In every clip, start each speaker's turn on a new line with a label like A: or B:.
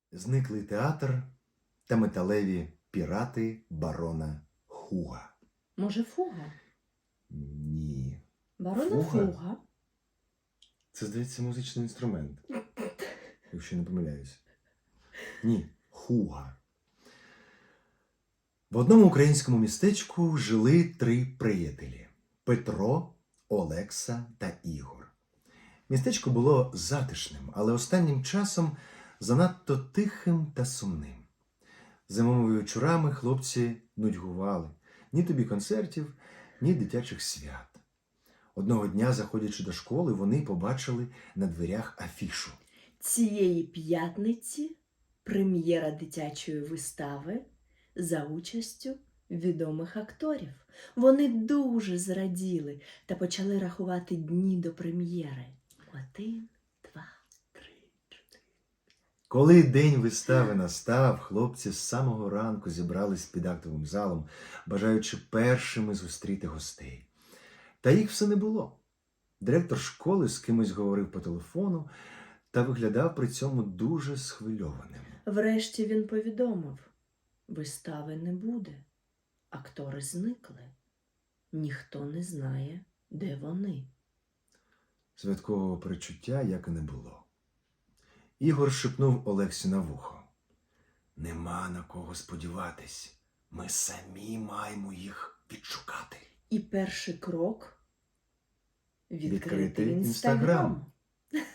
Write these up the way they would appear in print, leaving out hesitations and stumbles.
A: Зниклий театр та металеві пірати барона Хуга.
B: Може, фуга?
A: Ні.
B: Барона
A: Фуга?
B: Фуга.
A: Це, здається, музичний інструмент. Якщо не помиляюсь. Ні, Хуга. В одному українському містечку жили 3 приятелі – Петро, Олекса та Ігор. Містечко було затишним, але останнім часом занадто тихим та сумним. Зимовими вечорами хлопці нудьгували. Ні тобі концертів, ні дитячих свят. Одного дня, заходячи до школи, вони побачили на дверях афішу.
B: Цієї п'ятниці прем'єра дитячої вистави за участю відомих акторів. Вони дуже зраділи та почали рахувати дні до прем'єри. 1, 2, 3, 4.
A: Коли день вистави настав, хлопці з самого ранку зібрались під актовим залом, бажаючи першими зустріти гостей. Та їх все не було. Директор школи з кимось говорив по телефону та виглядав при цьому дуже схвильованим.
B: Врешті він повідомив: вистави не буде. Актори зникли. Ніхто не знає, де вони.
A: Святкового перечуття як і не було. Ігор шепнув Олексі на вухо. Нема на кого сподіватись. Ми самі маємо їх відшукати.
B: І перший крок –
A: Відкрити
B: відкрити
A: Інстаграм.
B: Інстаграм.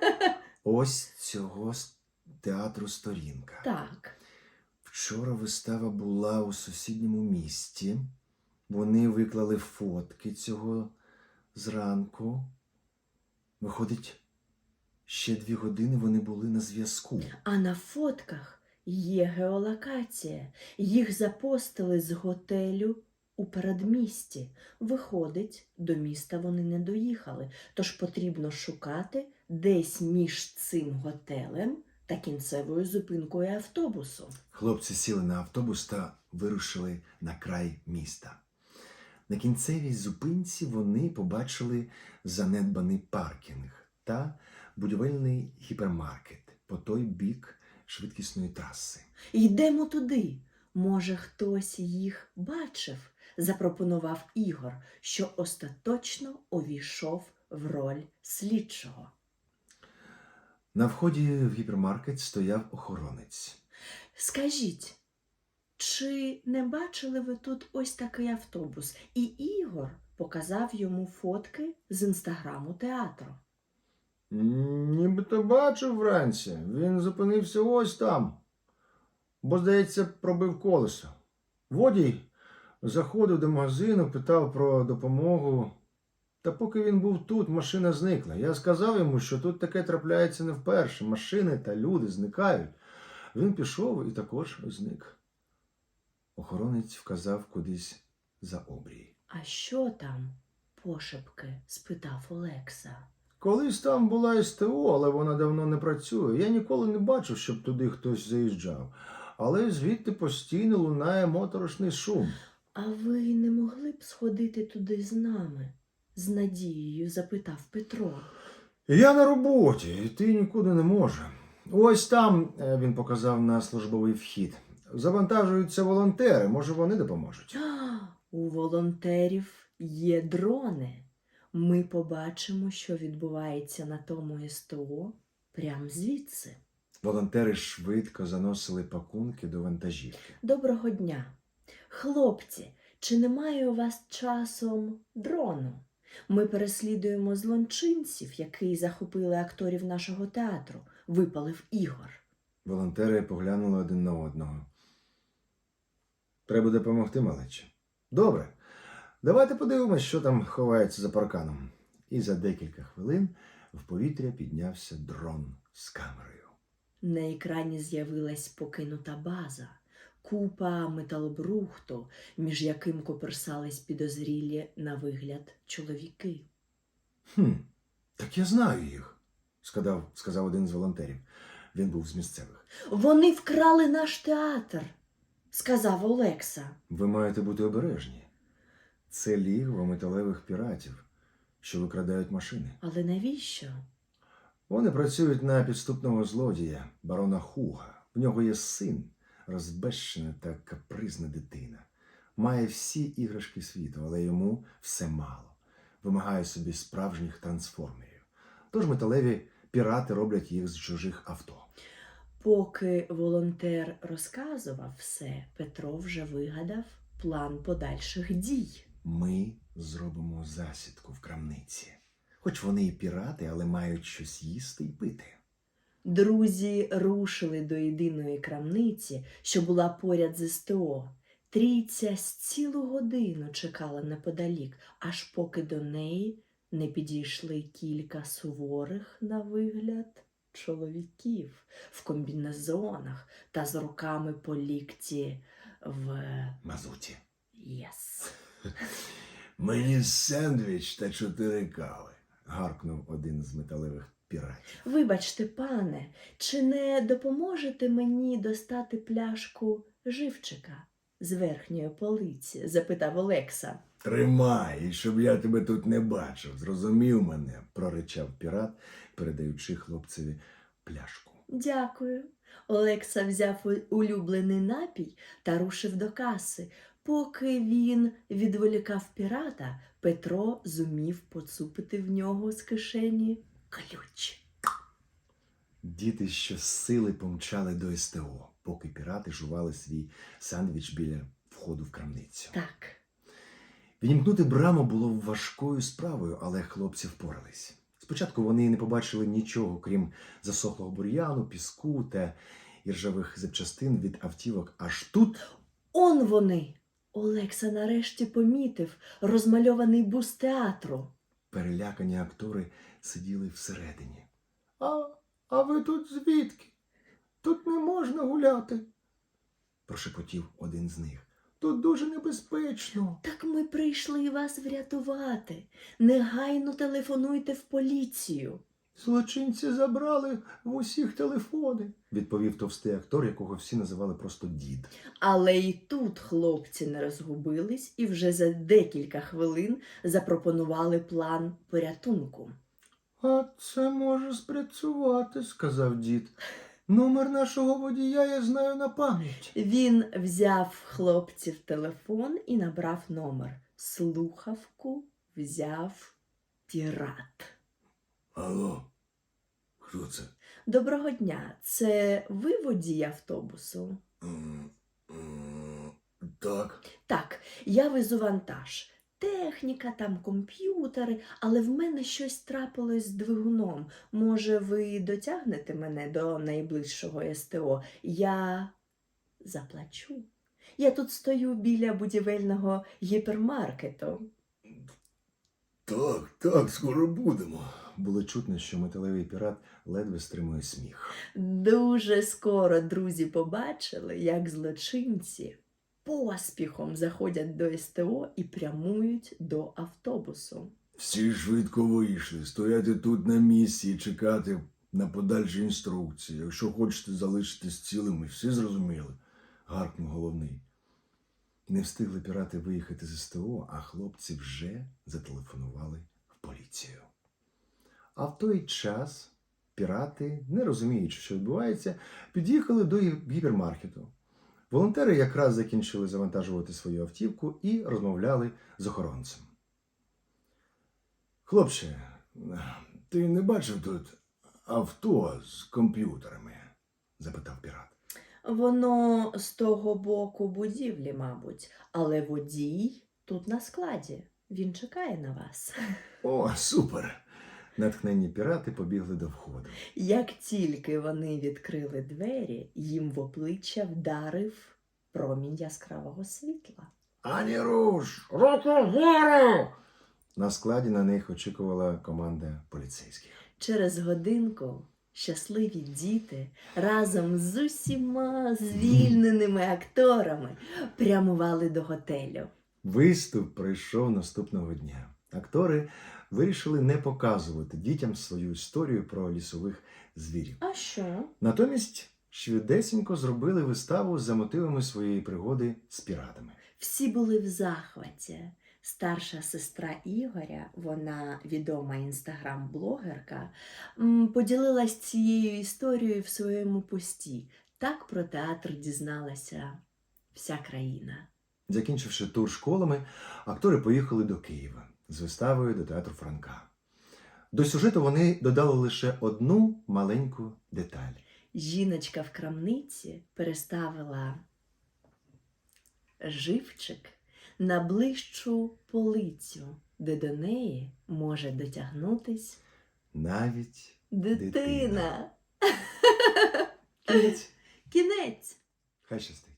A: Ось цього театру сторінка.
B: Так.
A: Вчора вистава була у сусідньому місті. Вони виклали фотки цього зранку. Виходить, ще 2 години вони були на зв'язку.
B: А на фотках є геолокація. Їх запостили з готелю у передмісті. Виходить, до міста вони не доїхали. Тож потрібно шукати десь між цим готелем та кінцевою зупинкою автобусу.
A: Хлопці сіли на автобус та вирушили на край міста. На кінцевій зупинці вони побачили занедбаний паркінг та будівельний гіпермаркет по той бік швидкісної траси.
B: Йдемо туди. Може, хтось їх бачив, запропонував Ігор, що остаточно увійшов в роль слідчого.
A: На вході в гіпермаркет стояв охоронець.
B: Скажіть, чи не бачили ви тут ось такий автобус? І Ігор показав йому фотки з інстаграму театру.
A: Нібито бачив вранці. Він зупинився ось там. Бо, здається, пробив колесо. Водій заходив до магазину, питав про допомогу. Та поки він був тут, машина зникла. Я сказав йому, що тут таке трапляється не вперше. Машини та люди зникають. Він пішов і також зник. Охоронець вказав кудись за обрій.
B: А що там? Пошепки спитав Олекса.
A: Колись там була СТО, але вона давно не працює. Я ніколи не бачив, щоб туди хтось заїжджав. Але звідти постійно лунає моторошний шум.
B: А ви не могли б сходити туди з нами? З надією запитав Петро.
A: Я на роботі, йти нікуди не можу. Ось там, він показав на службовий вхід, завантажуються волонтери, може вони допоможуть.
B: У волонтерів є дрони. Ми побачимо, що відбувається на тому СТО прямо звідси.
A: Волонтери швидко заносили пакунки до вантажівки.
B: Доброго дня. Хлопці, чи немає у вас часом дрону? Ми переслідуємо злочинців, які захопили акторів нашого театру, випалив Ігор.
A: Волонтери поглянули один на одного. Треба допомогти, малечі. Добре, давайте подивимось, що там ховається за парканом. І за декілька хвилин в повітря піднявся дрон з камерою.
B: На екрані з'явилась покинута база, купа металобрухту, між яким коперсались підозрілі на вигляд чоловіки.
A: Так я знаю їх, сказав один з волонтерів. Він був з місцевих.
B: Вони вкрали наш театр, сказав Олекса.
A: Ви маєте бути обережні. Це лігво металевих піратів, що викрадають машини.
B: Але навіщо?
A: Вони працюють на підступного злодія, барона Хуга. В нього є син, розбещена та капризна дитина. Має всі іграшки світу, але йому все мало. Вимагає собі справжніх трансформерів. Тож металеві пірати роблять їх з чужих авто.
B: Поки волонтер розказував все, Петро вже вигадав план подальших дій.
A: Ми зробимо засідку в крамниці. Хоч вони і пірати, але мають щось їсти і пити.
B: Друзі рушили до єдиної крамниці, що була поряд з СТО. Трійця з цілу годину чекала неподалік, аж поки до неї не підійшли кілька суворих на вигляд чоловіків в комбінезонах та з руками по лікті в
A: Мазуті.
B: єс.
C: Мені сендвіч та 4 кави.
A: Гаркнув один з металевих піратів.
B: Вибачте, пане, чи не допоможете мені достати пляшку живчика з верхньої полиці? Запитав Олекса.
C: Тримай, і щоб я тебе тут не бачив. Зрозумів мене?
A: Проричав пірат, передаючи хлопцеві пляшку.
B: Дякую. Олекса взяв улюблений напій та рушив до каси. Поки він відволікав пірата, Петро зумів поцупити в нього з кишені ключ.
A: Діти щосили помчали до СТО, поки пірати жували свій сандвіч біля входу в крамницю.
B: Так,
A: Відімкнути браму було важкою справою, але хлопці впорались. Спочатку вони не побачили нічого, крім засохлого бур'яну, піску та іржавих запчастин від автівок. Аж тут
B: он вони! Олекса нарешті помітив розмальований бус театру.
A: перелякані актори сиділи всередині.
C: А ви тут звідки? Тут не можна гуляти.
A: Прошепотів один з них.
C: Тут дуже небезпечно.
B: Так ми прийшли вас врятувати. Негайно телефонуйте в поліцію.
C: Злочинці забрали в усіх телефони.
A: Відповів товстий актор, якого всі називали просто дід.
B: Але і тут хлопці не розгубились і вже за декілька хвилин запропонували план порятунку.
C: А це може спрацювати, сказав дід. Номер нашого водія я знаю на пам'ять.
B: Він взяв хлопців телефон і набрав номер. Слухавку взяв пірат.
C: Алло, хто це?
B: Доброго дня, це ви водій автобусу?
C: Так.
B: Так, я везу вантаж. Техніка, там комп'ютери, але в мене щось трапилось з двигуном. Може, ви дотягнете мене до найближчого СТО? Я заплачу. Я тут стою біля будівельного гіпермаркету.
C: Так, скоро будемо.
A: Було чутно, що металевий пірат ледве стримує сміх.
B: Дуже скоро друзі побачили, як злочинці поспіхом заходять до СТО і прямують до автобусу.
C: Всі швидко вийшли, стояти тут на місці і чекати на подальші інструкції. Якщо хочете залишитись цілими, всі зрозуміли?
A: Гаркнув головний. Не встигли пірати виїхати з СТО, а хлопці вже зателефонували в поліцію. А в той час пірати, не розуміючи, що відбувається, під'їхали до гіпермаркету. Волонтери якраз закінчили завантажувати свою автівку і розмовляли з охоронцем.
C: Хлопче, ти не бачив тут авто з комп'ютерами?
A: Запитав пірат.
B: Воно з того боку будівлі, мабуть, але водій тут на складі. Він чекає на вас.
C: О, супер!
A: Натхненні пірати побігли до входу.
B: Як тільки вони відкрили двері, їм в обличчя вдарив промінь яскравого світла.
C: Ані руш! Руку вгору!
A: На складі на них очікувала команда поліцейських.
B: Через годинку щасливі діти разом з усіма звільненими акторами прямували до готелю.
A: Виступ пройшов наступного дня. Актори вирішили не показувати дітям свою історію про лісових звірів.
B: А що?
A: Натомість швидесенько зробили виставу за мотивами своєї пригоди з піратами.
B: Всі були в захваті. Старша сестра Ігоря, вона відома інстаграм-блогерка, поділилась цією історією в своєму пості. Так про театр дізналася вся країна.
A: Закінчивши тур школами, актори поїхали до Києва з виставою до театру Франка. До сюжету вони додали лише одну маленьку деталь.
B: Жіночка в крамниці переставила живчик на ближчу полицю, де до неї може дотягнутись
A: Навіть
B: дитина.
A: кінець.
B: Кінець.
A: Хай щастить.